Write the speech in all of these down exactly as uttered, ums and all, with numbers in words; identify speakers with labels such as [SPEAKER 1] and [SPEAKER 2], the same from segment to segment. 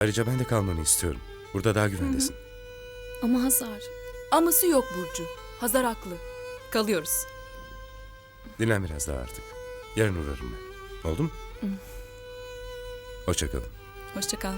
[SPEAKER 1] Ayrıca ben de kalmanı istiyorum. Burada daha güvendesin.
[SPEAKER 2] Ama Hazar.
[SPEAKER 3] Aması yok Burcu. Hazar haklı. Kalıyoruz.
[SPEAKER 1] Dinlen biraz daha artık. Yarın uğrarım ben. Oldu mu? Hoşça kalın.
[SPEAKER 3] Hoşça kal.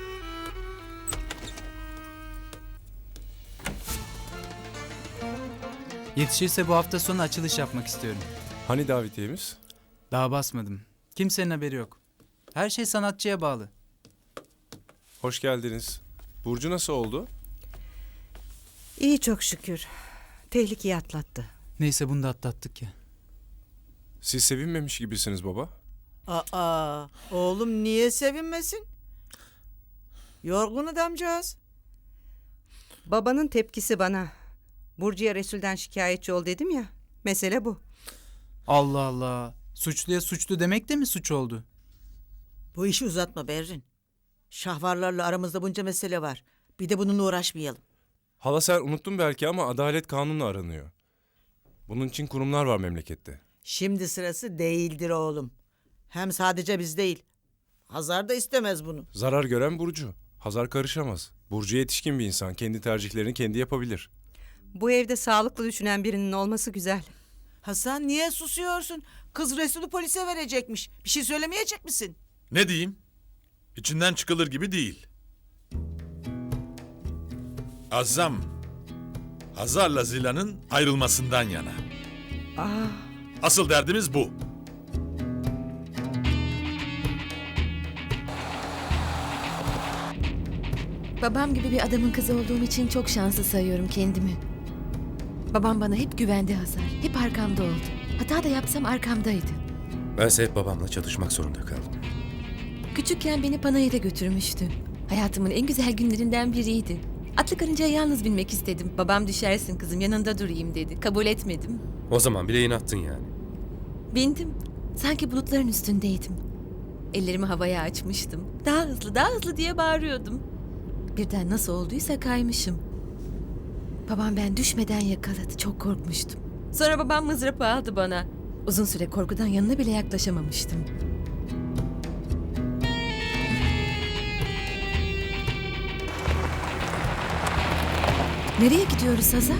[SPEAKER 4] Yetişirse bu hafta sonu açılış yapmak istiyorum.
[SPEAKER 5] Hani davetiyemiz?
[SPEAKER 4] Daha basmadım. Kimsenin haberi yok. Her şey sanatçıya bağlı.
[SPEAKER 5] Hoş geldiniz. Burcu nasıl oldu?
[SPEAKER 6] İyi çok şükür. Tehlikeyi atlattı.
[SPEAKER 4] Neyse bunu da atlattık ya.
[SPEAKER 5] Siz sevinmemiş gibisiniz baba.
[SPEAKER 7] Aa, oğlum niye sevinmesin? Yorgun adamcağız.
[SPEAKER 6] Babanın tepkisi bana. Burcu'ya Resul'den şikayetçi ol dedim ya. Mesele bu.
[SPEAKER 4] Allah Allah. Suçluya suçlu demek de mi suç oldu?
[SPEAKER 7] Bu işi uzatma Berrin. Şahvarlarla aramızda bunca mesele var. Bir de bununla uğraşmayalım.
[SPEAKER 5] Hala sen unuttun belki ama adalet kanunla aranıyor. Bunun için kurumlar var memlekette.
[SPEAKER 7] Şimdi sırası değildir oğlum. Hem sadece biz değil. Hazar da istemez bunu.
[SPEAKER 5] Zarar gören Burcu. Hazar karışamaz. Burcu yetişkin bir insan. Kendi tercihlerini kendi yapabilir.
[SPEAKER 6] Bu evde sağlıklı düşünen birinin olması güzel.
[SPEAKER 7] Hasan niye susuyorsun? Kız Resul'ü polise verecekmiş. Bir şey söylemeyecek misin?
[SPEAKER 8] Ne diyeyim? İçinden çıkılır gibi değil. Azzam, Hazar'la Zila'nın ayrılmasından yana.
[SPEAKER 6] Aa,
[SPEAKER 8] Asıl derdimiz bu.
[SPEAKER 2] Babam gibi bir adamın kızı olduğum için çok şanslı sayıyorum kendimi. Babam bana hep güvendi Hazar. Hep arkamda oldu. Hata da yapsam arkamdaydı.
[SPEAKER 1] Bense hep babamla çatışmak zorunda kaldım.
[SPEAKER 2] Küçükken beni Panayır'a götürmüştü. Hayatımın en güzel günlerinden biriydi. Atlı karıncaya yalnız binmek istedim. Babam düşersin kızım yanında durayım dedi. Kabul etmedim.
[SPEAKER 1] O zaman bile inattın yani.
[SPEAKER 2] Bindim. Sanki bulutların üstündeydim. Ellerimi havaya açmıştım. Daha hızlı, daha hızlı diye bağırıyordum. Birden nasıl olduysa kaymışım. Babam ben düşmeden yakaladı. Çok korkmuştum. Sonra babam mızrapı aldı bana. Uzun süre korkudan yanına bile yaklaşamamıştım. Nereye gidiyoruz Hazar?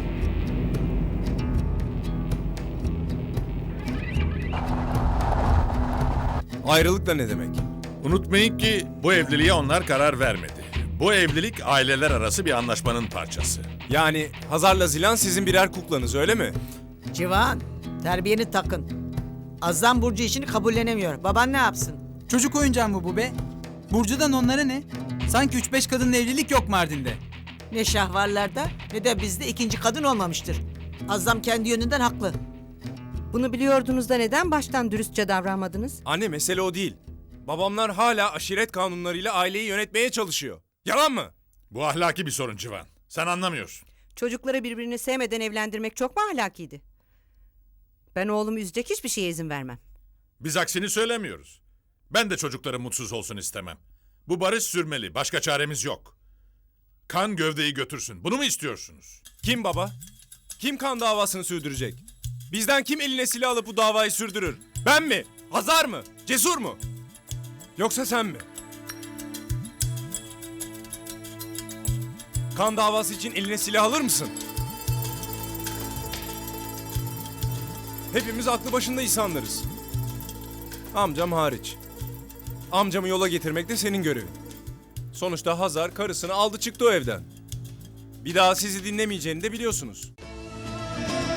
[SPEAKER 5] Ayrılık da ne demek?
[SPEAKER 8] Unutmayın ki bu evliliğe onlar karar vermedi. Bu evlilik aileler arası bir anlaşmanın parçası.
[SPEAKER 5] Yani Hazar'la Zilan sizin birer kuklanız öyle mi?
[SPEAKER 7] Civan, terbiyeni takın. Azam Burcu işini kabullenemiyor. Baban ne yapsın?
[SPEAKER 4] Çocuk oyuncağı mı bu be? Burcu'dan onlara ne? Sanki üç beş kadınla evlilik yok Mardin'de.
[SPEAKER 7] Ne şahvarlarda ne de bizde ikinci kadın olmamıştır. Azam kendi yönünden haklı.
[SPEAKER 6] bunu biliyordunuz da neden baştan dürüstçe davranmadınız?
[SPEAKER 5] Anne mesele o değil. Babamlar hala aşiret kanunlarıyla aileyi yönetmeye çalışıyor. Yalan mı?
[SPEAKER 8] Bu ahlaki bir sorun Civan. Sen anlamıyorsun.
[SPEAKER 6] Çocukları birbirini sevmeden evlendirmek çok mu ahlakiydi? Ben oğlumu üzecek hiçbir şeye izin vermem.
[SPEAKER 8] Biz aksini söylemiyoruz. Ben de çocukların mutsuz olsun istemem. Bu barış sürmeli. Başka çaremiz yok. Kan gövdeyi götürsün. Bunu mu istiyorsunuz?
[SPEAKER 5] Kim baba? Kim kan davasını sürdürecek? Bizden kim eline silah alıp bu davayı sürdürür? Ben mi? Hazar mı? Cesur mu? Yoksa sen mi? Kan davası için eline silah alır mısın? Hepimiz aklı başında insanlarız. Amcam hariç. Amcamı yola getirmek de senin görevin. Sonuçta Hazar karısını aldı çıktı o evden. Bir daha sizi dinlemeyeceğini de biliyorsunuz.